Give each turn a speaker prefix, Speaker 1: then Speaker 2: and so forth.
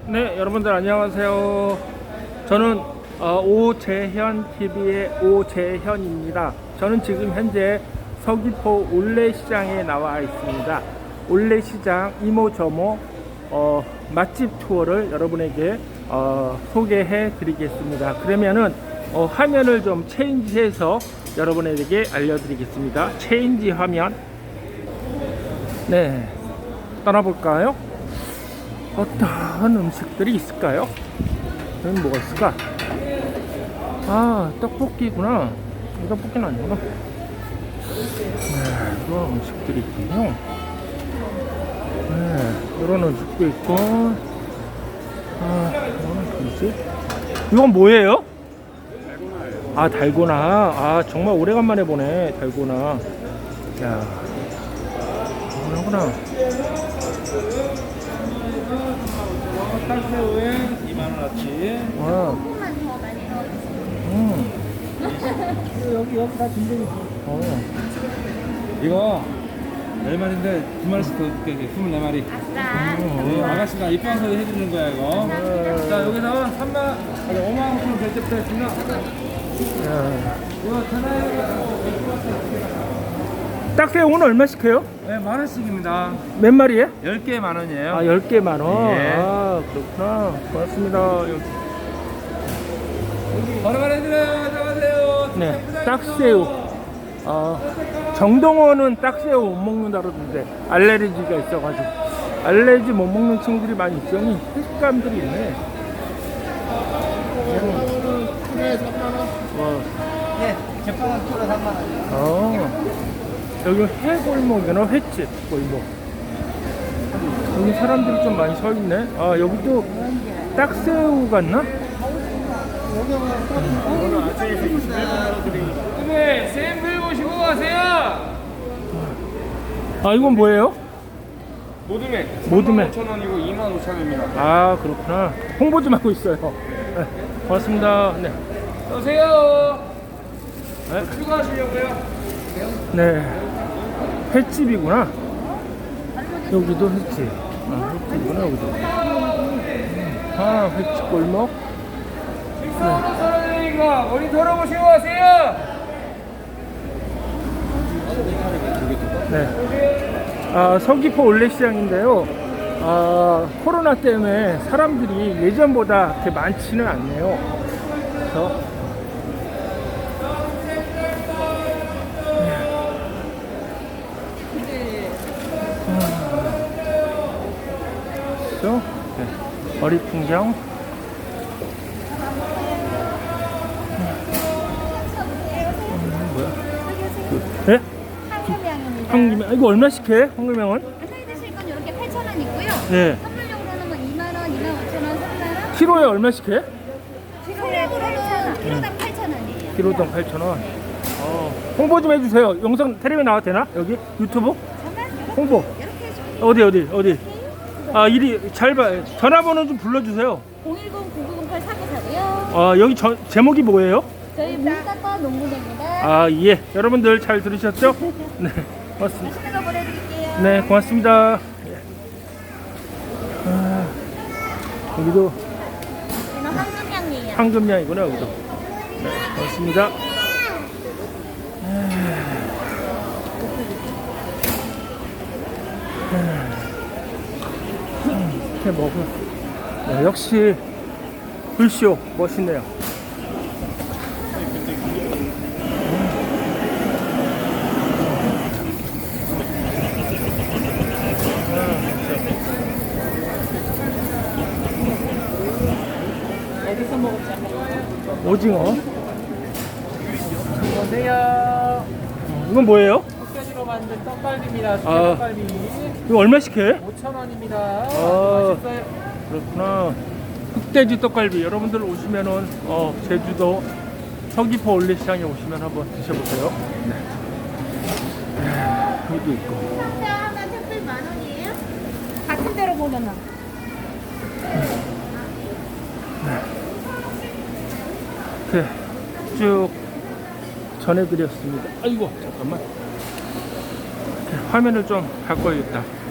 Speaker 1: 네, 여러분들 안녕하세요. 저는 오재현 TV의 오재현입니다. 저는 지금 현재 서귀포 올레시장에 나와 있습니다. 올레시장 이모저모 맛집 투어를 여러분에게 소개해 드리겠습니다. 그러면은 화면을 좀 체인지해서 여러분에게 알려드리겠습니다. 체인지 화면. 네, 떠나볼까요? 어떤 음식들이 있을까요? 여기 뭐가 있을까? 아, 떡볶이구나. 떡볶이는 아니구나. 네, 이런 음식들이 있군요. 네, 이런 음식도 있고. 아, 이거는 뭐지? 이건 뭐예요? 아, 달고나. 아, 정말 오래간만에 보네, 달고나. 야, 이거구나.
Speaker 2: 칼새우에 2만원어치.
Speaker 1: 와.
Speaker 3: 조금만 더 많이 넣어주세요.
Speaker 2: 여기 다 진정이. 이거 4마리인데 2마리씩 더 줄게. 24마리.
Speaker 3: 아싸.
Speaker 2: 아가씨가 입방서 해주는 거야 이거. 자 여기서 5만원 결제부터 했습니다. 이거 전화해가지고
Speaker 1: 딱새우는 얼마씩 해요?
Speaker 2: 네, 만원씩입니다.
Speaker 1: 몇 마리에?
Speaker 2: 10개 만원이에요.
Speaker 1: 아, 10개 만원.
Speaker 2: 예.
Speaker 1: 아, 그렇구나. 고맙습니다.
Speaker 2: 바로바로 해드려요. 안녕하세요.
Speaker 1: 네, 딱새우. 정동원은 딱새우 못 먹는다 그러던데 알레르기가 있어가지고 알레르기 못 먹는 친구들이 많이 있으니 식감들이 있네.
Speaker 2: 네, 3만원.
Speaker 1: 네,
Speaker 2: 제빵은 키로 3만원.
Speaker 1: 여기 회골목이나 횟집 골목. 여기 사람들이 좀 많이 서 있네. 아, 여기도 딱새우 같나?
Speaker 2: 네, 샘플 보시고 가세요.
Speaker 1: 아, 이건 뭐예요?
Speaker 2: 모둠에
Speaker 1: 모둠에.
Speaker 2: 5,000원이고 25,000원입니다.
Speaker 1: 아, 그렇구나. 홍보 좀 하고 있어요. 네, 고맙습니다. 네.
Speaker 2: 오세요.
Speaker 1: 네.
Speaker 2: 추가하시려고요?
Speaker 1: 네. 횟집이구나. 여기도 횟집. 아, 횟집이구나, 여기도. 아, 횟집 골목.
Speaker 2: 식사하는 사람이니까 머리 털어보시고 가세요.
Speaker 1: 네. 아, 서귀포 올레시장인데요. 아, 코로나 때문에 사람들이 예전보다 그렇게 많지는 않네요. 그래서 네. 거리 풍경. 뭐야? 네?
Speaker 3: 황금향입니다.
Speaker 1: 황금향. 이거 얼마씩 해? 황금향은?
Speaker 3: 저희 드실 건 이렇게 8,000원 있고요.
Speaker 1: 네.
Speaker 3: 선물용으로는 뭐 2만 원, 25,000원, 3만 원.
Speaker 1: 키로에 얼마씩 해?
Speaker 3: 소량으로는 키로당 8,000원이에요.
Speaker 1: 키로당 8,000원. 홍보 좀 해주세요. 영상 텔레비 나와도 되나? 여기 유튜브? 홍보.
Speaker 3: 이렇게 해주세요.
Speaker 1: 어디? 아, 이리 잘 봐. 전화번호 좀 불러주세요.
Speaker 3: 010-9908-4949요.
Speaker 1: 아, 여기 제목이 뭐예요?
Speaker 3: 저희 문학과 농구대입니다.
Speaker 1: 아, 예. 여러분들 잘 들으셨죠? 네, 고맙습니다.
Speaker 3: 맛있는 거 보내드릴게요.
Speaker 1: 네, 고맙습니다. 예. 아, 여기도
Speaker 3: 이는 황금향이에요.
Speaker 1: 황금향이구나, 여기도. 네, 고맙습니다. 이렇게 먹어. 네, 역시 불쇼 멋있네요.
Speaker 3: 어디서 먹었지?
Speaker 1: 오징어.
Speaker 2: 오세요.
Speaker 1: 이건 뭐예요?
Speaker 2: 흑돼지로 만든 떡갈비입니다.
Speaker 1: 아.
Speaker 2: 떡갈비.
Speaker 1: 이거 얼마씩 해?
Speaker 2: 5,000원입니다.
Speaker 1: 아.
Speaker 2: 맛있어요.
Speaker 1: 그렇구나. 흑돼지 떡갈비. 여러분들 오시면은 제주도 서귀포 올레시장에 오시면 한번 드셔보세요. 네. 여기도 있고.
Speaker 3: 상자 하나 택배 10,000원이에요? 같은 데로 보면은.
Speaker 1: 이렇게 쭉 전해드렸습니다. 아이고, 잠깐만. 이렇게 화면을 좀 바꿔야겠다.